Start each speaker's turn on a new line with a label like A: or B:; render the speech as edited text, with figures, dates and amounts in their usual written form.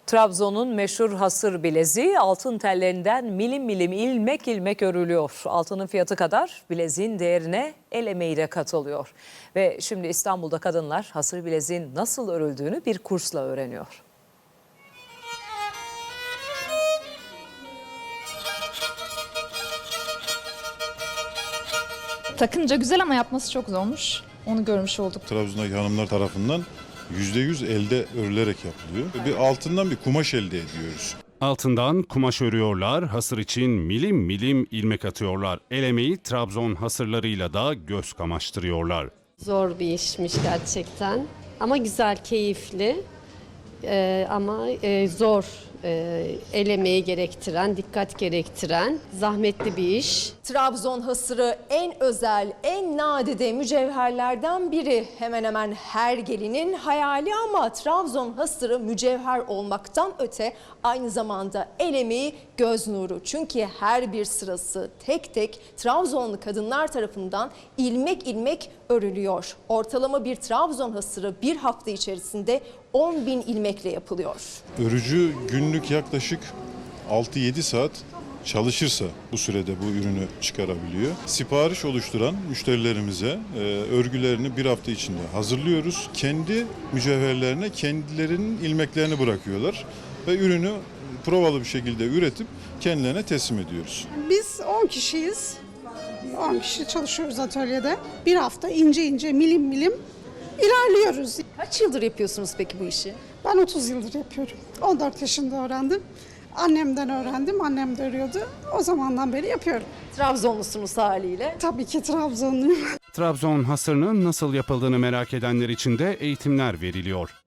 A: Trabzon'un meşhur hasır bileziği altın tellerinden milim milim ilmek ilmek örülüyor. Altının fiyatı kadar bileziğin değerine el emeği de katılıyor. Ve şimdi İstanbul'da kadınlar hasır bileziğin nasıl örüldüğünü bir kursla öğreniyor.
B: Takınca güzel ama yapması çok zormuş. Onu görmüş olduk.
C: Trabzon'daki hanımlar tarafından %100 elde örülerek yapılıyor. Bir altından bir kumaş elde ediyoruz.
D: Altından kumaş örüyorlar, hasır için milim milim ilmek atıyorlar. El emeği Trabzon hasırlarıyla da göz kamaştırıyorlar.
E: Zor bir işmiş gerçekten ama güzel, keyifli ama zor, el emeği gerektiren, dikkat gerektiren, zahmetli bir iş.
F: Trabzon hasırı en özel, en nadide mücevherlerden biri. Hemen hemen her gelinin hayali ama Trabzon hasırı mücevher olmaktan öte aynı zamanda el emeği, göz nuru. Çünkü her bir sırası tek tek Trabzonlu kadınlar tarafından ilmek ilmek örülüyor. Ortalama bir Trabzon hasırı bir hafta içerisinde 10.000 ilmekle yapılıyor.
C: Örücü günlük yaklaşık 6-7 saat çalışırsa bu sürede bu ürünü çıkarabiliyor. Sipariş oluşturan müşterilerimize örgülerini bir hafta içinde hazırlıyoruz. Kendi mücevherlerine kendilerinin ilmeklerini bırakıyorlar ve ürünü provalı bir şekilde üretip kendilerine teslim ediyoruz.
G: Biz 10 kişiyiz. 10 kişi çalışıyoruz atölyede. Bir hafta ince ince milim milim ilerliyoruz.
F: Kaç yıldır yapıyorsunuz peki bu işi?
G: Ben 30 yıldır yapıyorum. 14 yaşında öğrendim. Annemden öğrendim. Annem de örüyordu. O zamandan beri yapıyorum.
F: Trabzonlusunuz haliyle.
G: Tabii ki Trabzonluyum.
D: Trabzon hasırının nasıl yapıldığını merak edenler için de eğitimler veriliyor.